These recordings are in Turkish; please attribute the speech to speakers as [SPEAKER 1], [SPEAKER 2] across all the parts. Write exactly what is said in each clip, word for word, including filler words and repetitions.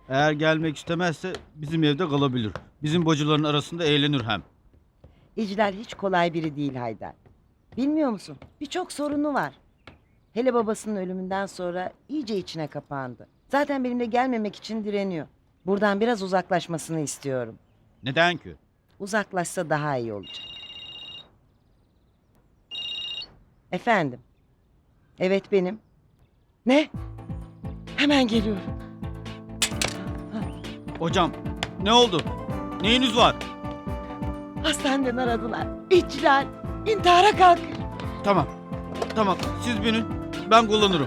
[SPEAKER 1] Eğer gelmek istemezse bizim evde kalabilir. Bizim bacıların arasında eğlenir hem.
[SPEAKER 2] İclal hiç kolay biri değil Haydar. Bilmiyor musun? Birçok sorunu var. Hele babasının ölümünden sonra iyice içine kapandı. Zaten benimle gelmemek için direniyor. Buradan biraz uzaklaşmasını istiyorum.
[SPEAKER 1] Neden ki?
[SPEAKER 2] Uzaklaşsa daha iyi olacak. Efendim? Evet benim. Ne? Hemen geliyorum.
[SPEAKER 1] Hocam ne oldu? Neyiniz var?
[SPEAKER 2] Hastaneden aradılar. İclal intihara kalkıyor.
[SPEAKER 1] Tamam. Tamam siz binin. Ben kullanırım.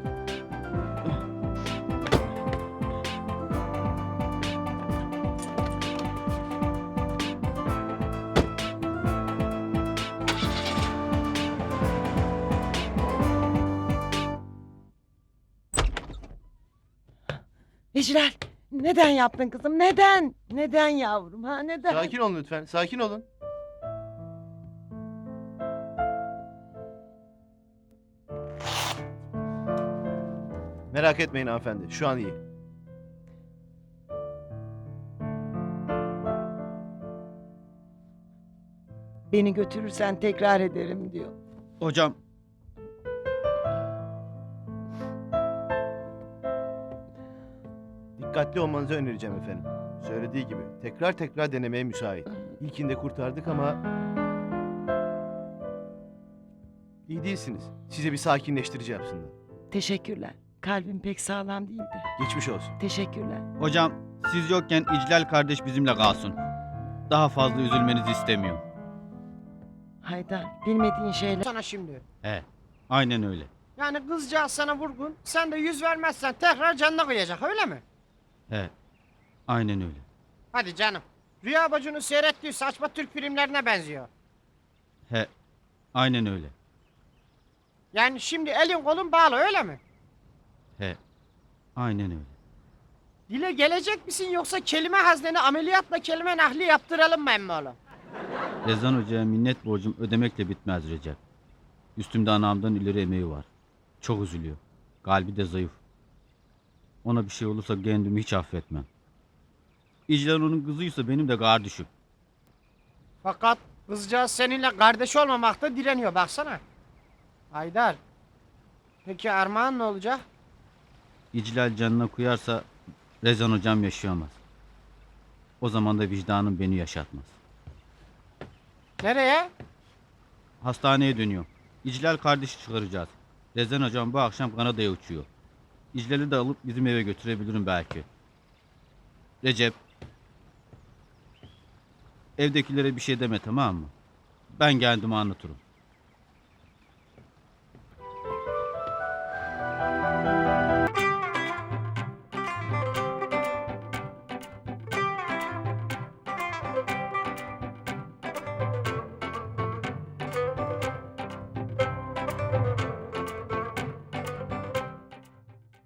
[SPEAKER 2] İclal neden yaptın kızım? Neden? Neden yavrum ha neden?
[SPEAKER 3] Sakin olun lütfen. Sakin olun. Merak etmeyin hanımefendi. Şu an iyi.
[SPEAKER 2] Beni götürürsen tekrar ederim diyor.
[SPEAKER 1] Hocam
[SPEAKER 3] Dikkatli olmanızı önereceğim efendim. Söylediği gibi tekrar tekrar denemeye müsait. İlkinde kurtardık ama... İyi değilsiniz. Size bir sakinleştirici yapsınlar.
[SPEAKER 2] Teşekkürler. Kalbim pek sağlam değildi.
[SPEAKER 3] Geçmiş olsun.
[SPEAKER 2] Teşekkürler.
[SPEAKER 1] hocam siz yokken İclal kardeş bizimle kalsın. Daha fazla üzülmenizi istemiyorum.
[SPEAKER 2] Haydar bilmediğin şeyler...
[SPEAKER 4] Sana şimdi.
[SPEAKER 1] He. Aynen öyle.
[SPEAKER 4] Yani kızcağız sana vurgun, sen de yüz vermezsen tekrar canına koyacak öyle mi?
[SPEAKER 1] He. Aynen öyle.
[SPEAKER 4] Hadi canım. Rüya bacının seyrettiği saçma Türk filmlerine benziyor.
[SPEAKER 1] He. Aynen öyle.
[SPEAKER 4] Yani şimdi elin kolun bağlı öyle mi?
[SPEAKER 1] He. Aynen öyle.
[SPEAKER 4] Dile gelecek misin yoksa kelime hazneni ameliyatla kelime nahli yaptıralım mı emmoğlu?
[SPEAKER 1] Rezan Hoca'ya minnet borcum ödemekle bitmez Recep. Üstümde anamdan ileri emeği var. Çok üzülüyor. Kalbi de zayıf. Ona bir şey olursa kendimi hiç affetmem. İclal onun kızıysa benim de kardeşim.
[SPEAKER 4] Fakat kızcağız seninle kardeş olmamakta direniyor baksana. Haydar. Peki Armağan ne olacak?
[SPEAKER 1] İclal canına kuyarsa Rezan Hocam yaşayamaz. O zaman da vicdanım beni yaşatmaz.
[SPEAKER 4] Nereye?
[SPEAKER 1] Hastaneye dönüyor. İclal kardeşi çıkaracağız. Rezan Hocam bu akşam Kanada'ya uçuyor. İclal'i de alıp bizim eve götürebilirim belki. Recep. Evdekilere bir şey deme tamam mı? Ben kendime anlatırım.